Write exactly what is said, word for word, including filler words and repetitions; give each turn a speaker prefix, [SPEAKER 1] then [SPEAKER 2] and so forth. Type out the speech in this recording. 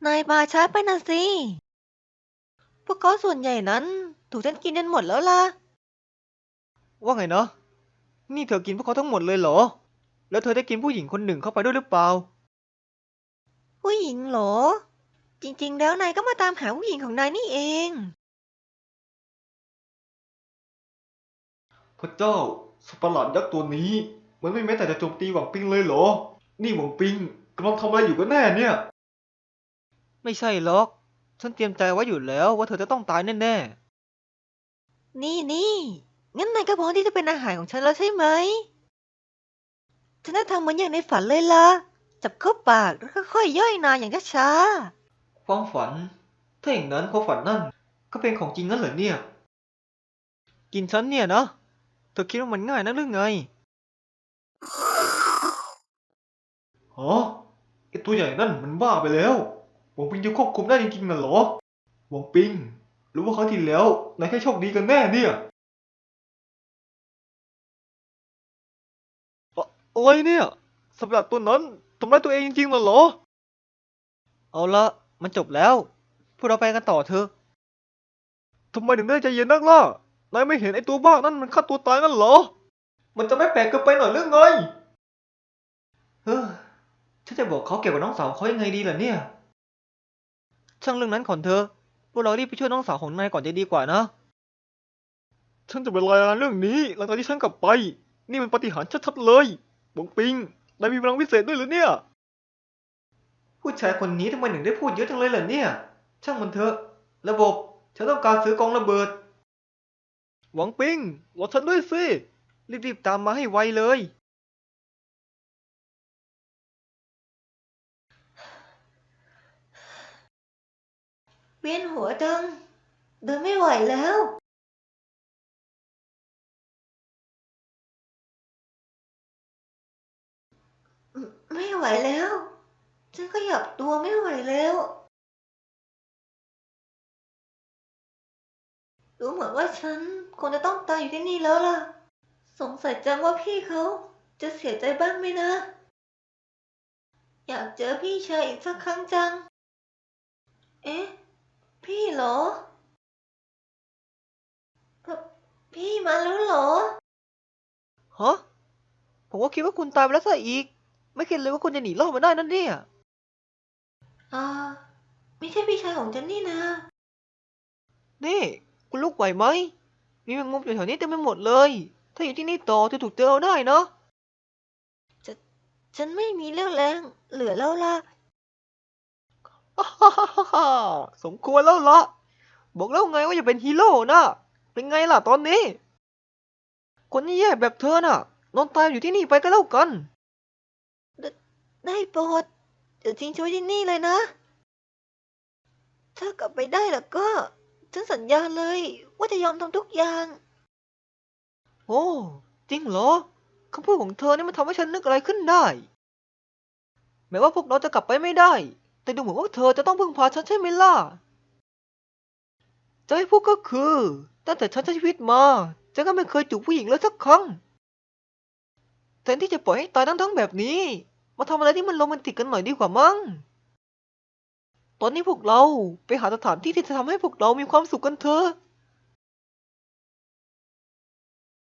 [SPEAKER 1] นายมาช้าไปนะสิ พวกเขาส่วนใหญ่นั้นถูกฉันกินจนหมดแล้วล่ะ
[SPEAKER 2] ว่าไงนะ นี่เธอกินพวกเขาทั้งหมดเลยเหรอ แล้วเธอได้กินผู้หญิงคนหนึ่งเข้าไปด้วยหรือเปล่า
[SPEAKER 1] ผู้หญิงเหรอ จริงๆแล้วนายก็มาตามหาผู้หญิงของนายนี่เอง
[SPEAKER 3] พระเจ้าสัตว์ประหลาดยักษ์ตัวนี้มันไม่แม้แต่จะโจมตีหวังปิงเลยเหรอ นี่หวังปิงกำลังทำอะไรอยู่กันแน่เนี่ย
[SPEAKER 2] ไม่ใช่หรอก ฉันเตรียมใจไว้อยู่แล้วว่าเธอจะต้องตายแน่
[SPEAKER 1] นี่นี่งั้นนายก็พร้อมที่จะเป็นอาหารของฉันแล้วใช่ไหม ฉันจะทำเหมือนอย่างในฝันเลยล่ะ จับเข้าปากแล้วค่อยๆย่อยนายอย่างช้า
[SPEAKER 3] ความฝัน ถ้าอย่างนั้นความฝันนั่นก็เป็นของจริงงั้นเหรอเนี่ย
[SPEAKER 2] ๆ กินฉันเนี่ยนะ เธอคิดว่ามันง่ายนักหรือไง
[SPEAKER 3] ฮะไอตัวใหญ่นั่นมันบ้าไปแล้วหวังปิงจะควบคุมได้จริงๆน่ะเหรอหวังปิงหรือว่าครั้งที่แล้วนายแค่โชคดีกันแน่เนี่ย
[SPEAKER 2] อะอะไรเนี่ยสัตว์ประหลาดตัวนั้นทำร้ายตัวเองจริงๆเหรอ เอาละมันจบแล้ว พวกเราไปกันต่อเถอะ ทำไมถึงได้ใจเย็นนักล่ะ นายไม่เห็นไอ้ตัวบ้านั่นมันฆ่าตัวตายงั้นเหรอ
[SPEAKER 3] มันจะไม่แปลกเกินไปหน่อยหรือไงเฮ้อฉันจะบอกเขาเกี่ยวกับน้องสาวเขายังไงดีล่ะเนี่ย
[SPEAKER 2] ช่างเรื่องนั้นก่อนเถอะ พวกเรารีบไปช่วยน้องสาวของนายก่อนจะดีกว่านะ ฉันจะไปรายงานเรื่องนี้หลังจากที่ฉันกลับไป นี่มันปาฏิหาริย์ชัดๆเลยบงปิง นายมีพลังวิเศษด้วยหรือเนี่ย
[SPEAKER 3] ผู้ชายคนนี้ทำไมถึงได้พูดเยอะจังเลยล่ะเนี่ย ช่างมันเถอะ ระบบ ฉันต้องการซื้อกองระเบิด
[SPEAKER 2] หวังปิงรอฉันด้วยสิ รีบๆตามมาให้ไวเลย
[SPEAKER 1] ๆ เวียนหัวจัง เดินไม่ไหวแล้ว ไม่ไหวแล้ว ฉันขยับตัวไม่ไหวแล้ว ดูเหมือนว่าฉันคงจะต้องตายอยู่ที่นี่แล้วล่ะ สงสัยจังว่าพี่เขาจะเสียใจบ้างไหมนะ อยากเจอพี่ชายอีกสักครั้งจัง เอ๊ะ พี่เหรอพพี่มาแล้วเหรอ
[SPEAKER 2] ฮะ ผมก็คิดว่าคุณตายไปแล้วซะอีก ไม่คิดเลยว่าคุณจะหนีรอดมาได้นั่นเนี่ย
[SPEAKER 1] อ่า ไม่ใช่พี่ชายของฉันนี่นะ
[SPEAKER 2] นี่ คุณลุกไหวไหม มีแมงมุมอยู่แถวนี้เต็มไปหมดเลย ถ้าอยู่ที่นี่ต่อจะถูกเจอเอาได้นะ
[SPEAKER 1] ฉันไม่มีเรี่ยวแรงเหลือแล้วล่ะ
[SPEAKER 2] ฮ่าฮ่าฮ่าฮ่าสมควรแล้วละบอกแล้วไงว่าอย่าเป็นฮีโร่นะเป็นไงล่ะตอนนี้ คนแย่ๆแบบเธอน่ะนอนตายอยู่ที่นี่ไปก็แล้วกัน
[SPEAKER 1] ได้โปรดเดี๋ยวทิ้งช่วยที่นี่เลยนะ ถ้ากลับไปได้แล้วก็ ฉันสัญญาเลยว่าจะยอมทำทุกอย่าง
[SPEAKER 2] โอ้จริงเหรอคำพูดของเธอนี่มันทำให้ฉันนึกอะไรขึ้นได้แม้ว่าพวกเราจะกลับไปไม่ได้ แต่ดูเหมือนว่าเธอจะต้องพึ่งพาฉันใช่ไหมล่ะจะให้พูดก็คือตั้งแต่ฉันใช้ชีวิตมาฉันก็ไม่เคยจูบผู้หญิงเลยสักครั้งแทนที่จะปล่อยให้ตายทั้งๆแบบนี้มาทำอะไรที่มันโรแมนติกกันหน่อยดีกว่ามั้งตอนนี้พวกเราไปหาสถานที่ที่จะทำให้พวกเรามีความสุขกันเถอะ